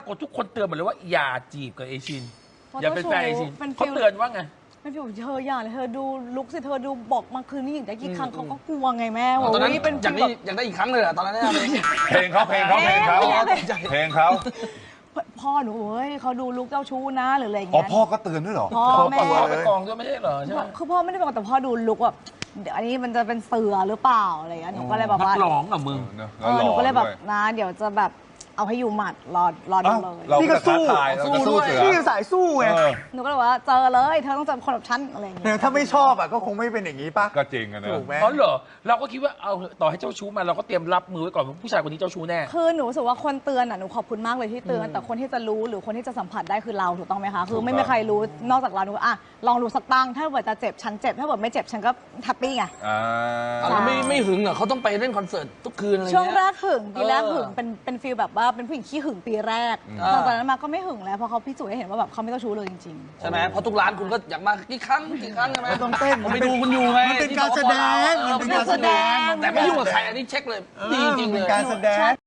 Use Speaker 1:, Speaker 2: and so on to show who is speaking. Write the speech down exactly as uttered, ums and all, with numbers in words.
Speaker 1: ทุกคนเตือนหมดเลยว่าอย่าจีบกับเอชินอย่าเป็นแฟนเอชินเขาเตือนว่าไง
Speaker 2: ไม่พี่บอกเธออย่าเลยเธอดูลุกสิเธอดูบอกมาคืนนี้อย่างได้กี่ครั้งเขาก็กลัวไงแม่
Speaker 3: ตอนนั้น
Speaker 2: เป็น
Speaker 3: อยากได้อยากได้อีกครั้งเลยเหรอตอนนั้น
Speaker 4: เพลงเขาเพลงเขาเพลงเขาเพลงเขา
Speaker 2: พ่อหนูเฮ้ยเขาดูลุกเจ้าชู้นะหรืออะไรอย่าง
Speaker 4: อ๋อ
Speaker 2: เงี้ย
Speaker 4: พ่อก็เตือนด้วยเหรอ
Speaker 2: พ่อแม่
Speaker 1: ไปกองด้วยไม่ใช่เหรอใช่ไหม
Speaker 2: คือพ่อไม่ได้บอกแต่พ่อดูลุกแบบเดี๋ยวอันนี้มันจะเป็นเสือหรือเปล่าอะไรอย่างเงี้ยหนูก็เลยแบบว่า
Speaker 1: ร้องกับมึง
Speaker 2: หนูก็เลยแบบนะเดี๋ยวจะแบบเอาให้อยู่หมัดรอรอดูเลย
Speaker 4: เราก็สู้สู้ด้วย
Speaker 5: พี่สายสู้ไง
Speaker 2: หนูก็เลยว่าเจอเลยเธอต้องเจอคนแบบฉันอะไรอย่างเงี้ย
Speaker 5: ถ้าไม่ชอบอ่ะก็คงไม่เป็นอย่างนี้ป่ะ
Speaker 4: ก็จริงนะ
Speaker 5: ถูกไหม
Speaker 1: อ๋อเหรอเราก็คิดว่าเอาต่อให้เจ้าชู้มาเราก็เตรียมรับมือไว้ก่อนว่าผู้ชายคนนี้เจ้าชู้แน่
Speaker 2: คือหนูรู้สึกว่าคนเตือนอ่ะหนูขอบคุณมากเลยที่เตือนแต่คนที่จะรู้หรือคนที่จะสัมผัสได้คือเราถูกต้องไหมคะคือไม่มีใครรู้นอกจากเราหนูอ่ะลองดูสักตั้งถ้าเกิดจะเจ็บฉันเจ็บถ้าเกิดไม่เจ็บฉันก็แฮปปี้ไง
Speaker 3: เราไม่ไม่หึงเหรอเขาต้องไปเล่นคอนเสิร์ตทุกคืนอะไรเงี้ย
Speaker 2: ช่วงแรกหึงปีแรกหึงเป็นเป็นฟีลแบบว่าเป็นผู้หญิงขี้หึงปีแรกหลังจากนั้นมาก็ไม่หึงแล้วเพราะเขาพิสูจน์ให้เห็นว่าแบบเขาไม่เจ้าชู้เลยจริง
Speaker 3: ๆใช่ไหมเพราะทุกร้านคุณก็อยากมากี่ครั้งกี่ครั้งใช่ไหม
Speaker 5: ต้องเต้น
Speaker 3: ผมไปดูคุณอยู่ไง
Speaker 5: มันเป็นการแสดงมันเป็นการแสดง
Speaker 3: แต่ไม่ยุ่งกับใครอันนี้เช็คเลยดีจริงเลย
Speaker 5: การแสดง